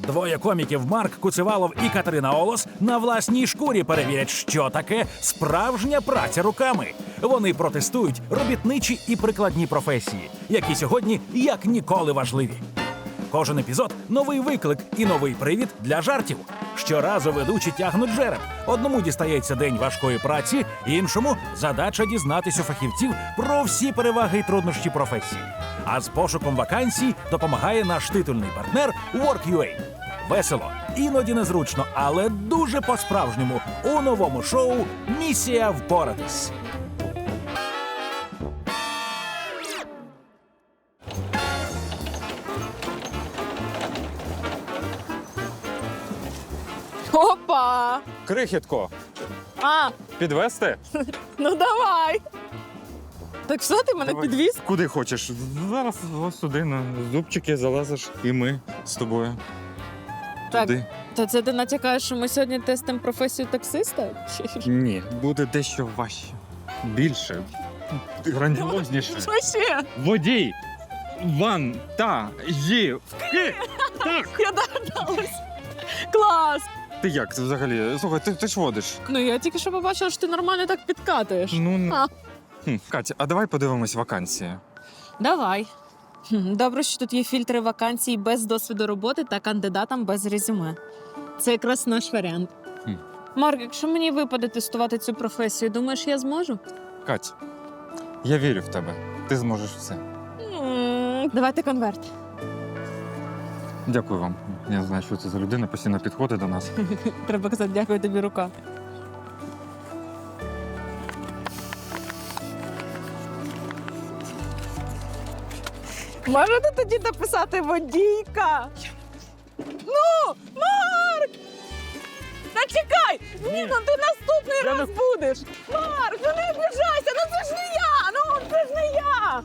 Двоє коміків Марк Куцевалов і Катерина Олос на власній шкурі перевірять, що таке справжня праця руками. Вони протестують робітничі і прикладні професії, які сьогодні як ніколи важливі. Кожен епізод – новий виклик і новий привід для жартів. Щоразу ведучі тягнуть жереб. Одному дістається день важкої праці, іншому – задача дізнатись у фахівців про всі переваги і труднощі професії. А з пошуком вакансій допомагає наш титульний партнер Work.ua. Весело, іноді незручно, але дуже по-справжньому у новому шоу «Місія впоратись». Опа! Крихітко, А, підвести? ну давай. Так що ти мене Давай. підвіз? Куди хочеш. Зараз ось сюди на зубчики залазиш, і ми з тобою. Так, Туди. то це ти натякаєш, що ми сьогодні тестимо професію таксиста? Ні, буде дещо важче. Більше. Грандіозніше. Що ще? Водій. Вантажівки. Так. Я догадалась. Клас! Ти як це взагалі? Слухай, ти ж водиш. Ну я тільки що побачила, що ти нормально так підкатуєш. Ну, Катя, а давай подивимось вакансії. Давай. Добре, що тут є фільтри вакансій без досвіду роботи та кандидатам без резюме. Це якраз наш варіант. Марк, якщо мені випаде тестувати цю професію, думаєш, я зможу? Кать, я вірю в тебе. Ти зможеш все. Давайте конверт. Дякую вам. Я знаю, що це за людина, постійно підходить до нас. Треба казати, дякую тобі, рука. Можете тоді написати водійка? Ну, Марк! Та чекай! Ні, ну ти наступний раз будеш! Марк, ну не обіжайся! Ну це ж не я! Ну це ж не я!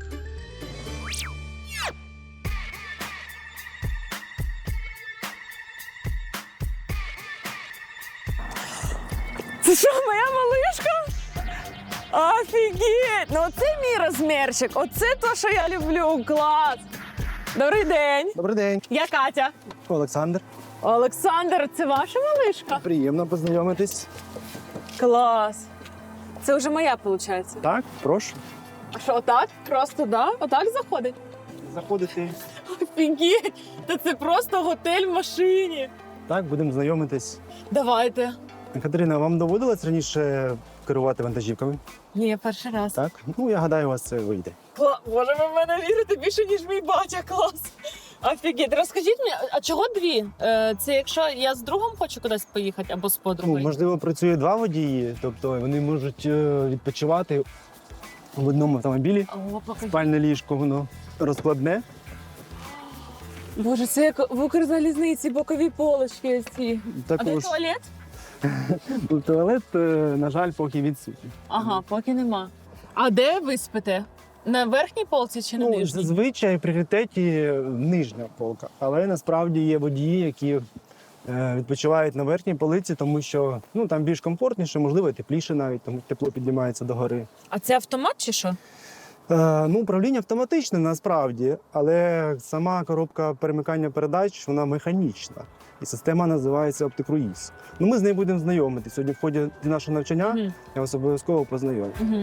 Це що, моя малишка? Офігеть! Ну оце мій розмірчик, оце то, що я люблю, клас! Добрий день! Добрий день, Я Катя. Олександр. Олександр, це ваша малишка? Приємно познайомитись. Клас! Це вже моя, виходить. Так, прошу. А що, отак? Просто, да? Отак заходить? Заходити. Офігеть! Та це просто готель в машині. Так, будемо знайомитись. Давайте. Катерина, вам доводилось раніше керувати вантажівками? Ні, перший раз. Так? Ну, я гадаю, у вас це вийде. Боже, ви в мене вірите більше, ніж мій батя, клас. Офігеть. Розкажіть мені, а чого дві? Це якщо я з другом хочу кудись поїхати або з Ну, подругою? можливо, працює два водії, тобто вони можуть відпочивати в одному автомобілі. О, покажи. Спальне ліжко, воно розкладне. Боже, це як в Укрзалізниці, бокові полочки ці. А де Також туалет? туалет, на жаль, поки відсутній. Ага, поки нема. А де ви спите? На верхній полці чи на Ну, нижній? зазвичай в пріоритеті нижня полка, але насправді є водії, які відпочивають на верхній полиці, тому що там більш комфортніше, можливо, тепліше навіть, тому тепло піднімається догори. А це автомат чи що? Управління автоматичне насправді, але сама коробка перемикання передач, вона механічна. І система називається OptiCruise. Ми з нею будемо знайомитися. Сьогодні в ході нашого навчання Мгм. я вас обов'язково познайомлю. Угу.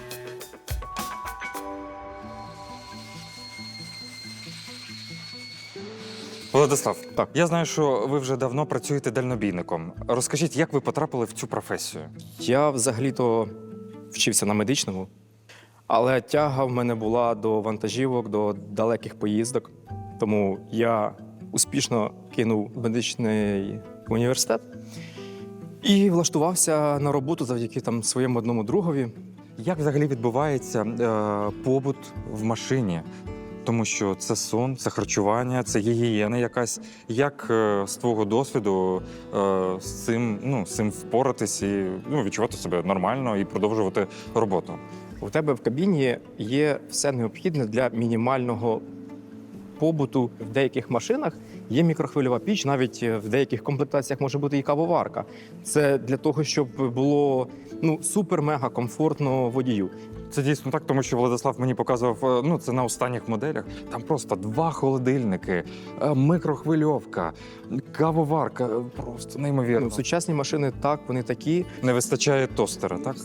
Владислав, так, я знаю, що ви вже давно працюєте дальнобійником. Розкажіть, як ви потрапили в цю професію? Я взагалі-то вчився на медичному, але тяга в мене була до вантажівок, до далеких поїздок. Тому я успішно кинув медичний університет і влаштувався на роботу завдяки своєму одному другові. Як взагалі відбувається побут в машині? Тому що це сон, це харчування, це гігієна якась. Як з твого досвіду з цим впоратись і відчувати себе нормально і продовжувати роботу? У тебе в кабіні є все необхідне для мінімального побуту в деяких машинах Є мікрохвильова піч, навіть в деяких комплектаціях може бути і кавоварка. Це для того, щоб було супер-мега комфортно водію. Це дійсно так, тому що Владислав мені показував, це на останніх моделях. Там просто 2 холодильники, микрохвильовка, кавоварка. Просто неймовірно. Сучасні машини, так, вони такі. Не вистачає тостера, так?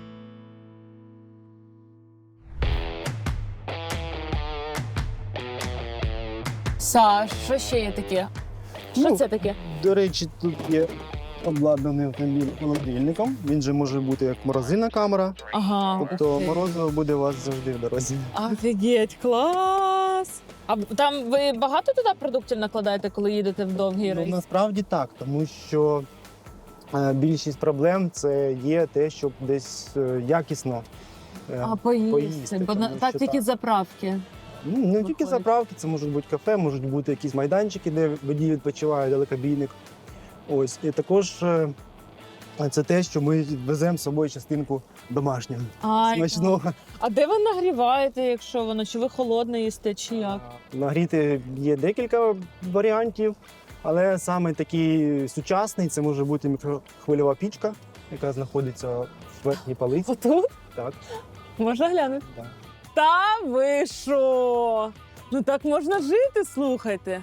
Саш, що ще є таке? Що Ну, це таке? До речі, тут є обладнаний автомобіль холодильником. Він же може бути як морозильна камера, Ага. тобто ух ти. морозиво буде у вас завжди в дорозі. Офігеть, клас! А там ви багато туди продуктів накладаєте, коли їдете в довгий Ну, рейс? насправді так, тому що більшість проблем це є те, щоб десь якісно. поїсти, Бо тому так що тільки так. заправки. Ну, не тільки виходить. заправки, це можуть бути кафе, можуть бути якісь майданчики, де водій відпочиває, далекобійник. Ось. І також це те, що ми веземо з собою частинку домашнього. Смачного. А де ви нагріваєте, якщо воно? Чи ви холодне їсте, чи як? Нагріти є декілька варіантів, але саме такий сучасний це може бути мікрохвильова пічка, яка знаходиться в верхній полиці. Отут? Так, Можна глянути? так. Та ви що? Ну так можна жити, слухайте.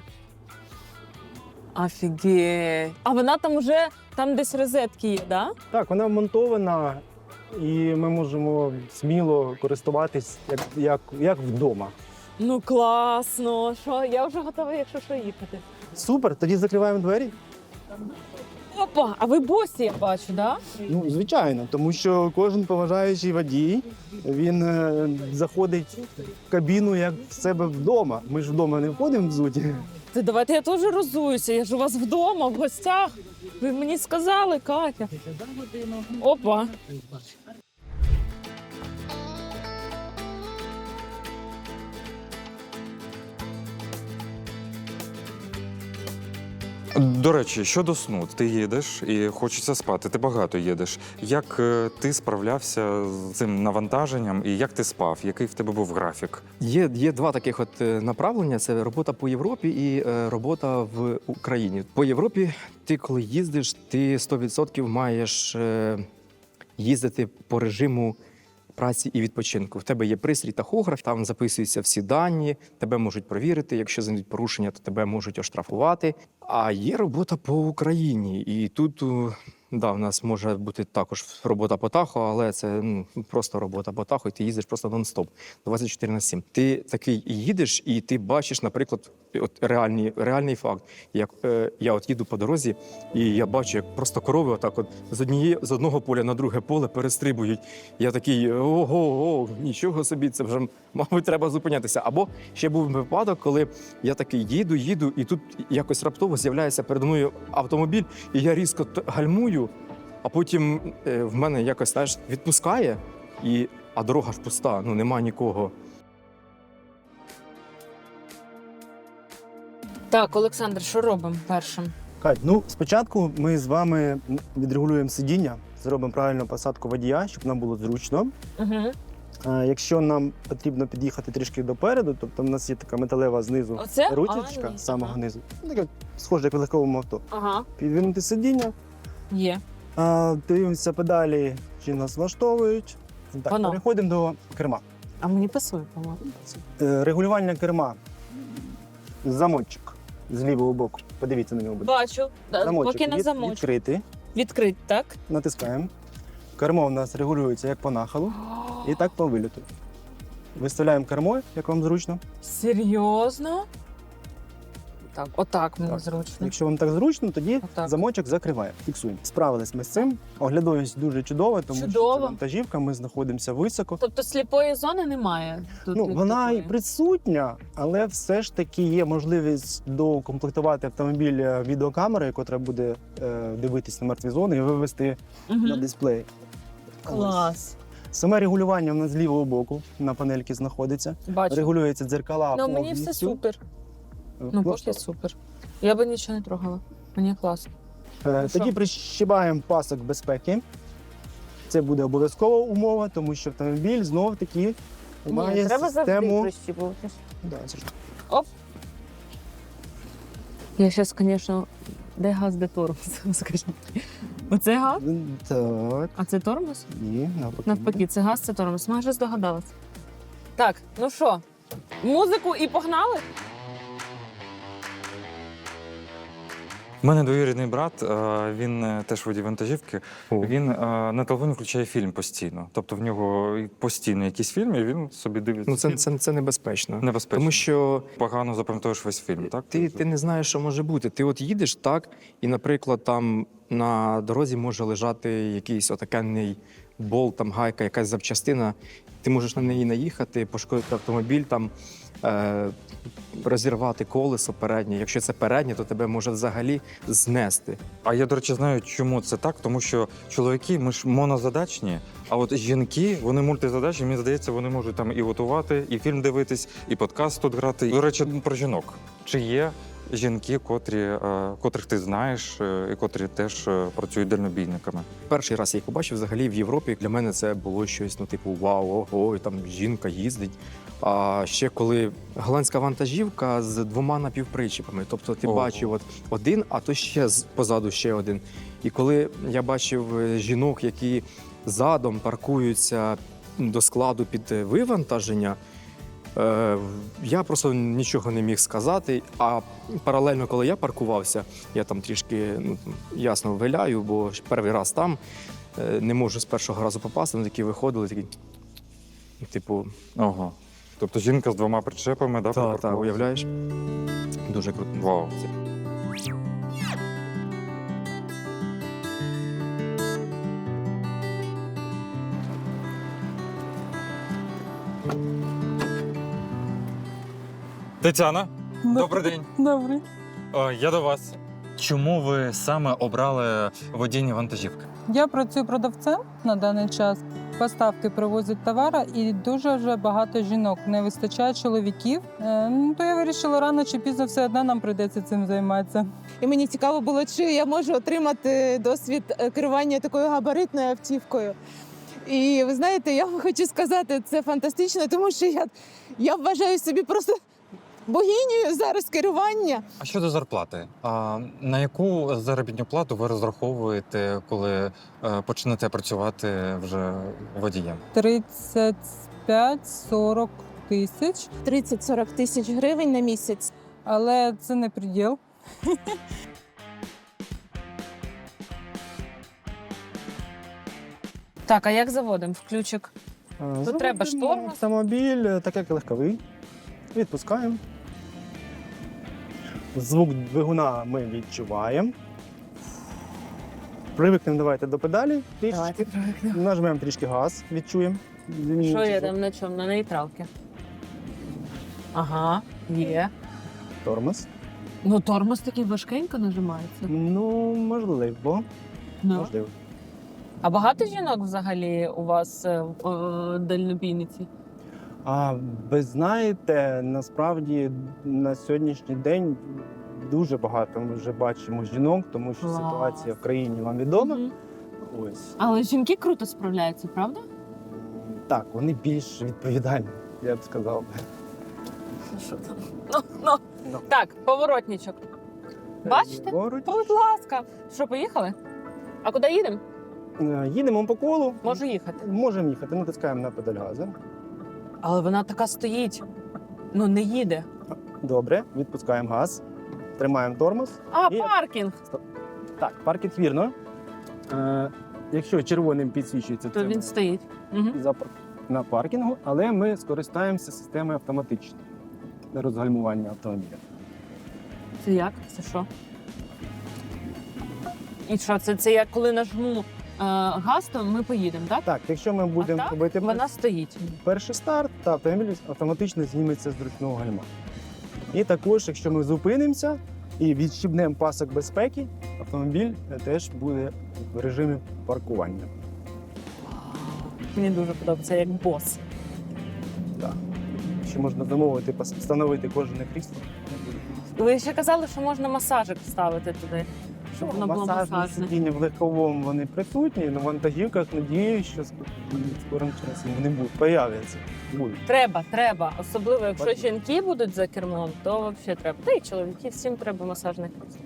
Офігеть. А вона там уже, там десь розетки є, да? Так, вона вмонтована, і ми можемо сміло користуватись як вдома. Ну класно. Що? Я вже готова, якщо що, їхати. Супер, тоді закриваємо двері. Опа, а ви босі, я бачу, да? Ну, звичайно, тому що кожен поважаючий водій, він заходить в кабіну як в себе вдома. Ми ж вдома не входимо взуті. Ти давайте я теж розуюся. Я ж у вас вдома, в гостях. Ви мені сказали, Катя. Опа. До речі, щодо сну, ти їдеш і хочеться спати, ти багато їдеш. Як ти справлявся з цим навантаженням і як ти спав? Який в тебе був графік? Є два таких направлення: це робота по Європі і робота в Україні. По Європі ти, коли їздиш, ти 100% маєш їздити по режиму праці і відпочинку. В тебе є пристрій тахограф, там записуються всі дані, тебе можуть провірити. Якщо знайдуть порушення, то тебе можуть оштрафувати. А є робота по Україні, і тут в нас може бути також робота по тахо, але це просто робота по тахо, і ти їздиш просто нон-стоп, 24/7. Ти такий їдеш, і ти бачиш, наприклад, реальний факт. Як я от їду по дорозі, і я бачу, як просто корови отак от з одного поля на друге поле перестрибують. Я такий, ого, нічого собі, це вже, мабуть, треба зупинятися. Або ще був випадок, коли я такий їду, і тут якось раптово з'являється передо мною автомобіль, і я різко гальмую, а потім в мене якось, знаєш, відпускає, а дорога ж пуста, нема нікого. Так, Олександр, що робимо першим? Кать, спочатку ми з вами відрегулюємо сидіння, зробимо правильну посадку водія, щоб нам було зручно. Угу. Якщо нам потрібно під'їхати трішки допереду, тобто в нас є така металева знизу Оце? ручечка, Ні. з самого Ага. низу. Така схоже, як в легковому авто. Ага, Підвинути сидіння, є. дивимося педалі, чи нас влаштовують. Так, Воно. переходимо до керма. А мені пасує, по-моєму. Регулювання керма. Замочок з лівого боку. Подивіться на нього. будь ласка. Бачу. Да, Замочок поки на замочку. відкритий. Відкрить, так? Натискаємо. Кермо у нас регулюється як по нахилу, і так по вильоту. Виставляємо кермо, як вам зручно. Серйозно? Так, отак мені Так. зручно. Якщо вам так зручно, тоді Отак. замочок закриваємо. Фіксуємо. Справились ми з цим. Оглядовість дуже чудова, тому що Чудово. це вантажівка, ми знаходимося високо. Тобто сліпої зони немає? Тут Вона і такої? присутня, але все ж таки є можливість докомплектувати автомобіль відеокамерою, яка буде дивитись на мертві зони і вивести Мгм. на дисплей. Клас. Саме регулювання в нас з лівого боку на панельці знаходиться. Бачу. Регулюється дзеркала. Ну, мені все повністю. супер. Ну, поки супер. Я би нічого не трогала. Мені класно. Тоді прищибаємо пасок безпеки. Це буде обов'язкова умова, тому що автомобіль знов-таки має треба завжди систему. прищіпуватись. Да, це ж- Оп. Я зараз, звісно, де газ, де тормоз, скажіть. Оце газ, Так, а це тормоз? і навпаки. Навпаки, це газ, це тормоз. Майже здогадалась. Так, ну що, музику і погнали? У мене двоюрідний брат, він теж водій вантажівки. Він на телефоні включає фільм постійно. Тобто в нього постійно якісь фільми, і він собі дивиться. Ну, це небезпечно. Небезпечно. Тому що Погано запам'ятовуєш весь фільм, так? ти не знаєш, що може бути. Ти от їдеш так, і, наприклад, там на дорозі може лежати якийсь отакенний болт, там гайка, якась запчастина. Ти можеш на неї наїхати, пошкодити автомобіль, там розірвати колесо переднє. Якщо це переднє, то тебе може взагалі знести. А я, до речі, знаю, чому це так, тому що чоловіки, ми ж монозадачні, а от жінки, вони мультизадачні, мені здається, вони можуть там і готувати, і фільм дивитись, і подкаст тут грати. До речі, про жінок. Чи є жінки, котрих ти знаєш, і котрі теж працюють дальнобійниками? Перший раз я їх побачив взагалі в Європі. Для мене це було щось, ну, типу, вау, ого, там жінка їздить. А ще коли голландська вантажівка з 2 напівпричепами. Тобто ти Ого. бачив от один, а то ще позаду ще один. І коли я бачив жінок, які задом паркуються до складу під вивантаження, я просто нічого не міг сказати. А паралельно, коли я паркувався, я там трішки, ну, ясно, виляю, бо перший раз там не можу з першого разу попасти. Вони такі виходили, такі, типу, Ого. Тобто жінка з 2 причепами, да? та, припаркувалася? уявляєш? Дуже круто. Вау. Тетяна, добрий день. Добре. Я до вас. Чому ви саме обрали водіння вантажівки? Я працюю продавцем на даний час. Поставки привозять товари, і дуже вже багато жінок. Не вистачає чоловіків. То я вирішила, рано чи пізно все одно нам прийдеться цим займатися. І мені цікаво було, чи я можу отримати досвід керування такою габаритною автівкою. І ви знаєте, я вам хочу сказати, це фантастично, тому що я вважаю собі просто богинею зараз керування. А щодо зарплати, на яку заробітну плату ви розраховуєте, коли почнете працювати вже водієм? 35-40 тисяч, 30-40 тисяч гривень на місяць. але це не приділ. Так, а як заводимо? Включик. Заводимо треба ж тормоз. Автомобіль, так як легковий. Відпускаємо. Звук двигуна ми відчуваємо. Привикнемо давайте до педалі. Трішечки. Нажмемо трішки газ, відчуємо. Що я там на чому? На нейтралці. Ага, є. Тормоз. Ну, тормоз такий важкенько нажимається. Ну, можливо. Можливо. А багато жінок взагалі у вас дальнобійниці? А ви знаєте, насправді на сьогоднішній день дуже багато ми вже бачимо жінок, тому що Клас. ситуація в країні вам відома. Мгм. Ось. Але жінки круто справляються, правда? Так, вони більш відповідальні, я б сказав. Що там? Ну. Так, поворотничок. Бачите? Поруч. Будь ласка. Що, поїхали? А куди їдемо? Їдемо по колу. Можу їхати. Можемо їхати, натискаємо на педаль газу. Але вона така стоїть. Ну, не їде. Добре, відпускаємо газ, тримаємо тормоз. А, І- паркінг. Так, паркінг вірно. Якщо червоним підсвічується, То це він ми стоїть. Угу. на паркінгу, але ми скористаємося системою автоматичної для розгальмування автомобіля. Це як? Це що? І що, це як коли нажму газ, то ми поїдемо, так? Так, якщо ми будемо так? робити Вона стоїть. перший старт, то автомобіль автоматично зніметься з ручного гальма. І також, якщо ми зупинимося і відщібнемо пасок безпеки, автомобіль теж буде в режимі паркування. Мені дуже подобається, як бос. Так. Ще можна замовити, встановити кожне крісло. Ви ще казали, що можна масажик ставити туди, щоб воно було Масажні масажне. сидіння в легковому вони присутні, на вантажівках надіюсь, що скорим часом вони появляться. Будуть. Треба. Особливо, якщо жінки будуть за кермом, то взагалі треба. Та й чоловіки, всім треба масажних крісел.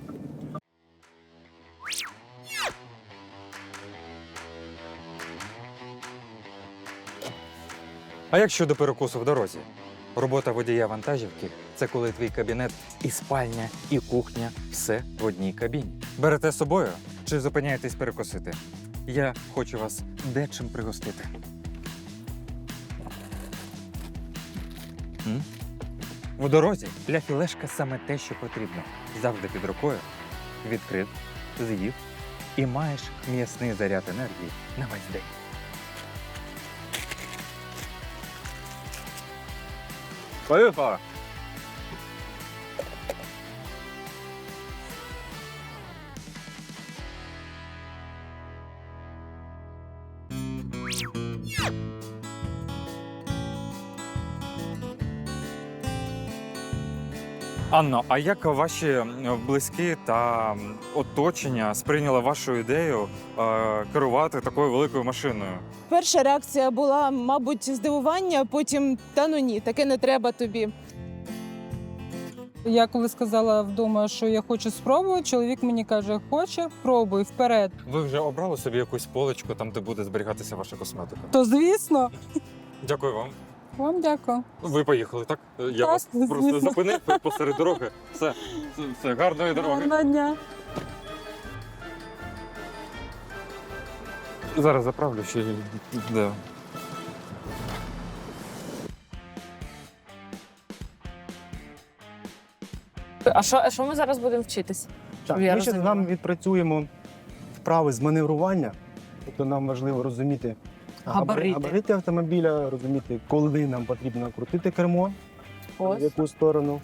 А як щодо перекусу в дорозі? Робота водія вантажівки це коли твій кабінет і спальня, і кухня все в одній кабіні. Берете з собою чи зупиняєтесь перекусити? Я хочу вас дечим пригостити. В дорозі для філешка саме те, що потрібно. Завжди під рукою, відкрив, з'їв і маєш м'ясний заряд енергії на весь день. Поїхали! Анно, а як ваші близькі та оточення сприйняли вашу ідею керувати такою великою машиною? Перша реакція була, мабуть, здивування, потім та ну ні, таке не треба тобі. Я коли сказала вдома, що я хочу спробувати, чоловік мені каже, хоче, пробуй, вперед. Ви вже обрали собі якусь поличку, там, де буде зберігатися ваша косметика? То звісно, Дякую вам. вам дякую. Ви поїхали, так? Я Так, вас просто звісно. зупинив посеред дороги. Все, гарної дороги. Гарного дня. Зараз заправлю ще. Да. А що ми зараз будемо вчитись? Так, Я ми ще з розуміла. вами відпрацюємо вправи з маневрування. Тобто нам важливо розуміти Габарити. автомобіля, розуміти, коли нам потрібно крутити кермо, в Ось. яку сторону.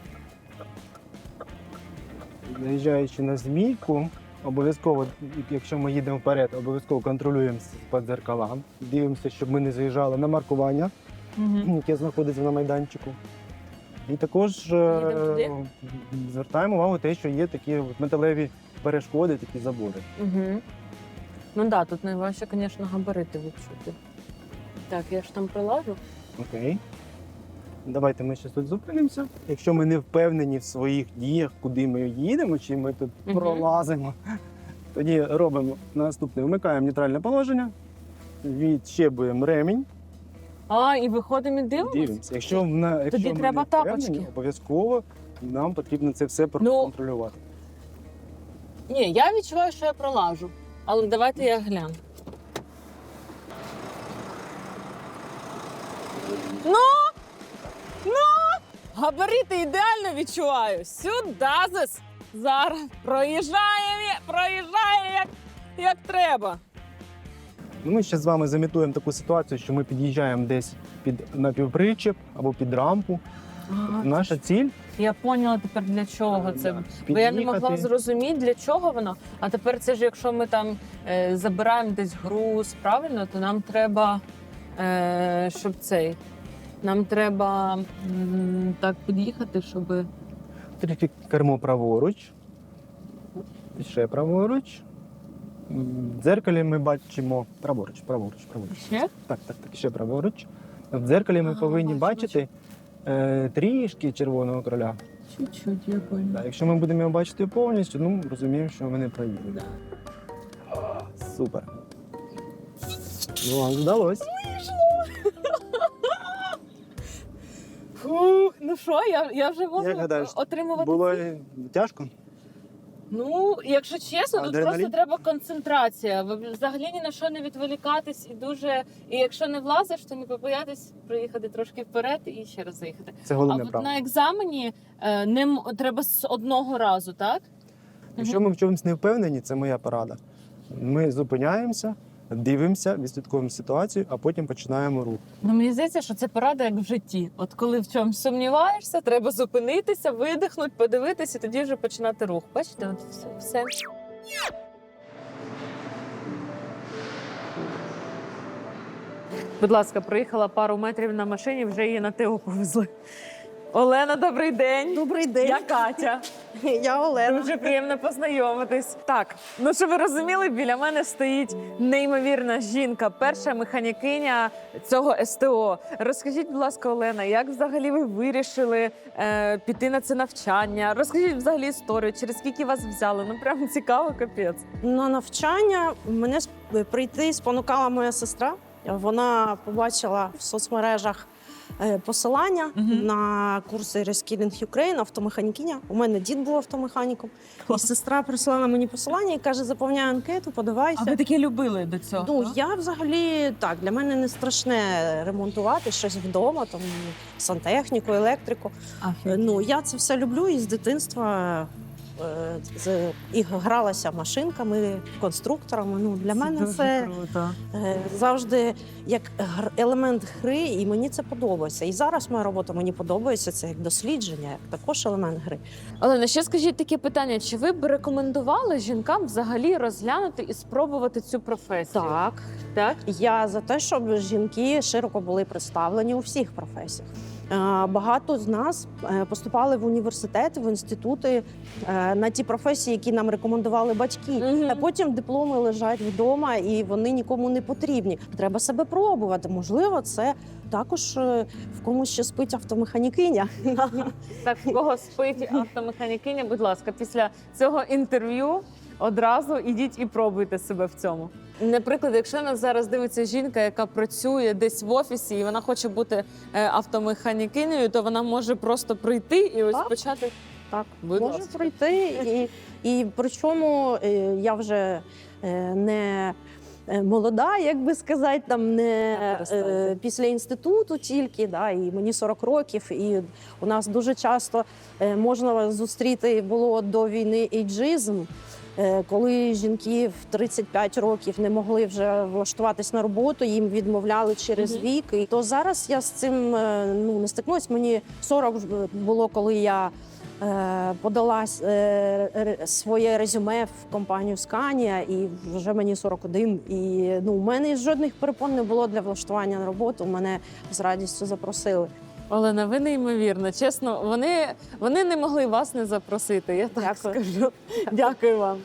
Заїжджаючи на змійку, обов'язково, якщо ми їдемо вперед, обов'язково контролюємо по дзеркалам. Дивимося, щоб ми не заїжджали на маркування, яке знаходиться на майданчику. І також туди? звертаємо увагу те, що є такі от металеві перешкоди, такі забори. Угу. Ну так, да, тут найважче, звісно, габарити відчути. Так, я ж там прилажу. Окей. Давайте ми ще тут зупинимося. Якщо ми не впевнені в своїх діях, куди ми їдемо, чи ми тут Мгм. пролазимо, тоді робимо наступне. Вмикаємо нейтральне положення, відщебуємо ремінь, А, і виходимо і дивимося? дивимося. Якщо ми треба не впевнені, тапочки. обов'язково нам потрібно це все Ну, проконтролювати. Ні, я відчуваю, що я пролажу. Але давайте я гляну. Ну! Габарити ідеально відчуваю. Сюдазис! Зараз проїжджає як треба. Ну, ми ще з вами замітуємо таку ситуацію, що ми під'їжджаємо десь під напівпричеп або під рампу. Наша ціль Я поняла тепер для чого це. да, Бо я не могла під'їхати. зрозуміти, для чого воно. А тепер це ж, якщо ми там забираємо десь груз, правильно, то нам треба, щоб цей. Нам треба так під'їхати, щоб. Трішки кермо праворуч, ще праворуч. В дзеркалі ми бачимо праворуч. Ще? Так, ще праворуч. В дзеркалі ми повинні бачу, бачити трішки червоного кроля. Чуть-чуть, я поняла. Так, якщо ми будемо його бачити повністю, ну розуміємо, що ми не проїдемо. Супер. Ну, вам вдалося. Фух, ну що, я вже можу Як гадаєш, отримувати. Було тяжко? Ну, якщо чесно, тут Адреналін? просто треба концентрація. Взагалі ні на що не відволікатись і якщо не влазиш, то не побоятись проїхати трошки вперед і ще раз заїхати. Це А головне от правило. на екзамені треба з одного разу, так? Якщо ми в чомусь не впевнені, це моя порада. Ми зупиняємося, дивимося, відслідковуємо ситуацію, а потім починаємо рух. Ну, мені здається, що це порада як в житті. От коли в чомусь сумніваєшся, треба зупинитися, видихнути, подивитися, і тоді вже починати рух. Бачите, от все. Будь ласка, проїхала пару метрів на машині, вже її на ТО повезли. Олена, добрий день. Добрий день. Я Катя. Я Олена. Дуже приємно познайомитись. Так, ну що ви розуміли, біля мене стоїть неймовірна жінка, перша механікиня цього СТО. Розкажіть, будь ласка, Олена, як взагалі ви вирішили піти на це навчання? Розкажіть взагалі історію, через скільки вас взяли? Ну прям цікаво, капець. На навчання мене прийти спонукала моя сестра. Вона побачила в соцмережах посилання на курси Reskilling Ukraine, автомеханікиня. У мене дід був автомеханіком. І сестра прислала мені посилання і каже, заповняй анкету, подавайся. А ви таке любили до цього? Ну, я взагалі, так, для мене не страшне ремонтувати щось вдома, там, сантехніку, електрику. Ну, я це все люблю і з дитинства і гралася машинками, конструкторами. Ну, для мене це завжди як елемент гри, і мені це подобається. І зараз моя робота мені подобається, це як дослідження, як також елемент гри. Олена, ще скажіть таке питання: чи ви б рекомендували жінкам взагалі розглянути і спробувати цю професію? Так. Так? Я за те, щоб жінки широко були представлені у всіх професіях. Багато з нас поступали в університети, в інститути на ті професії, які нам рекомендували батьки. А потім дипломи лежать вдома і вони нікому не потрібні. Треба себе пробувати. Можливо, це також в комусь ще спить автомеханікиня. Так, в кого спить автомеханікиня, будь ласка, після цього інтерв'ю одразу ідіть і пробуйте себе в цьому. Наприклад, якщо нас зараз дивиться жінка, яка працює десь в офісі, і вона хоче бути автомеханікинею, то вона може просто прийти і ось Так. почати. Так, Будь можу ласка. пройти. І причому я вже не молода, як би сказати, там не після інституту тільки, да, і мені 40 років, і у нас дуже часто можна зустріти було до війни ейджизм, коли жінки в 35 років не могли вже влаштуватись на роботу, їм відмовляли через вік. І то зараз я з цим не стикнулась. Мені 40 було, коли я подала своє резюме в компанію Scania, і вже мені 41. І у мене жодних перепон не було для влаштування на роботу. Мене з радістю запросили. Олена, ви неймовірна. Чесно, вони не могли вас не запросити, я так Дякую. скажу. Дякую вам.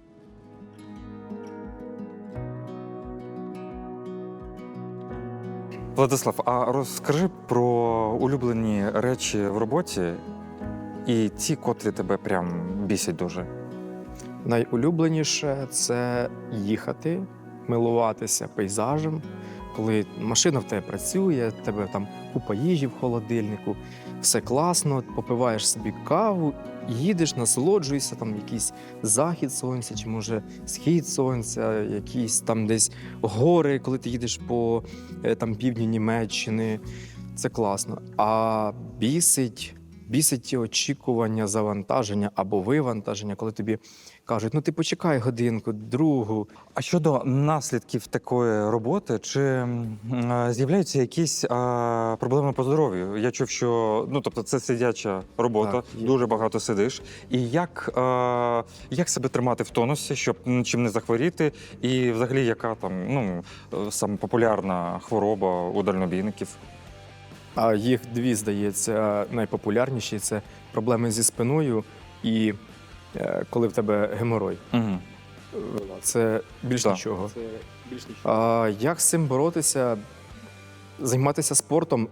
Владислав, а розкажи про улюблені речі в роботі і ті, котрі тебе прям бісять дуже. Найулюбленіше це їхати, милуватися пейзажем, коли машина в тебе працює, в тебе там купа їжі в холодильнику, все класно, попиваєш собі каву, їдеш, насолоджуєшся, там якийсь захід сонця, чи може схід сонця, якісь там десь гори, коли ти їдеш по там півдню Німеччини. Це класно. А бісить ті очікування завантаження або вивантаження, коли тобі кажуть, ну ти почекай годинку, другу. А щодо наслідків такої роботи, чи з'являються якісь проблеми по здоров'ю? Я чув, що тобто це сидяча робота, Так, є. дуже багато сидиш. І як себе тримати в тонусі, щоб нічим не захворіти? І взагалі, яка там саме популярна хвороба у дальнобійників? А їх дві, здається, найпопулярніші – це проблеми зі спиною і коли в тебе геморой. Угу. Це більш Так. нічого. А як з цим боротися? Займатися спортом.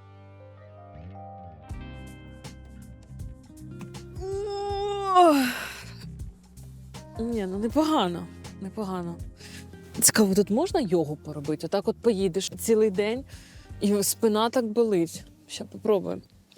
Ні, непогано. Непогано. Цікаво, тут можна йогу поробити? Отак от поїдеш цілий день, і спина так болить. Ще попробуємо.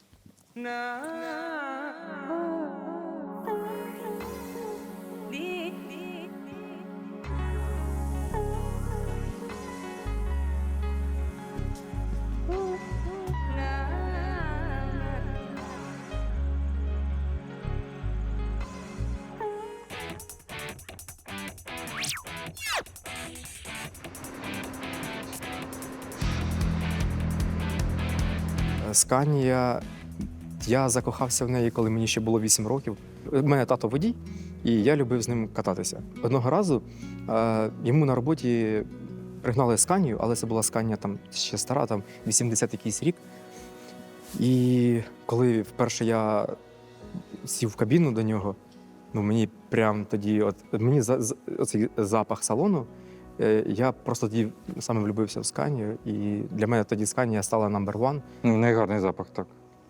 Scania, я закохався в неї, коли мені ще було 8 років. У мене тато водій, і я любив з ним кататися. Одного разу йому на роботі пригнали Scania, але це була Scania там ще стара, там 80 якийсь рік. І коли вперше я сів в кабіну до нього, ну мені прям тоді, мені оцей запах салону, я просто тоді саме влюбився в Сканію, і для мене тоді Сканія стала number one. Ну, найгарний запах, так.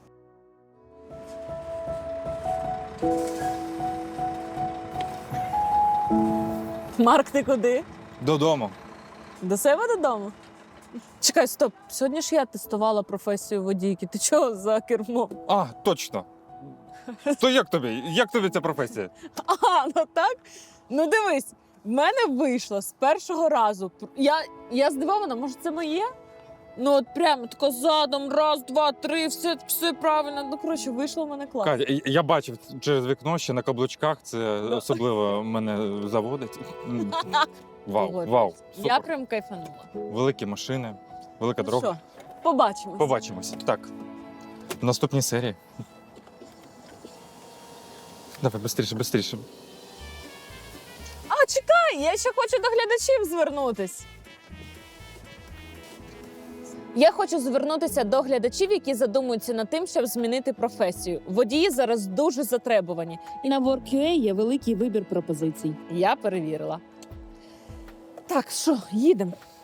Марк, ти куди? Додому. До себе додому? Чекай, стоп. Сьогодні ж я тестувала професію водійки. Ти чого за кермом? А, точно. То як тобі? Як тобі ця професія? А, ну так? Ну дивись, в мене вийшло з першого разу. Я здивована, може це моє? Ну от прямо тако задом, раз, два, три, все правильно. Ну, коротше, вийшло в мене класно. Катя, я бачив через вікно ще на каблучках, це особливо мене заводить. Вау, Погоджуюсь. вау, Я супер. прям кайфанула. Великі машини, велика Ну дорога. що, побачимось. Побачимось. Так. В наступній серії. Давай, швидше. А, чекай, я ще хочу до глядачів звернутись. Я хочу звернутися до глядачів, які задумуються над тим, щоб змінити професію. Водії зараз дуже затребувані. І на Work.ua є великий вибір пропозицій. Я перевірила. Так, що, їдемо.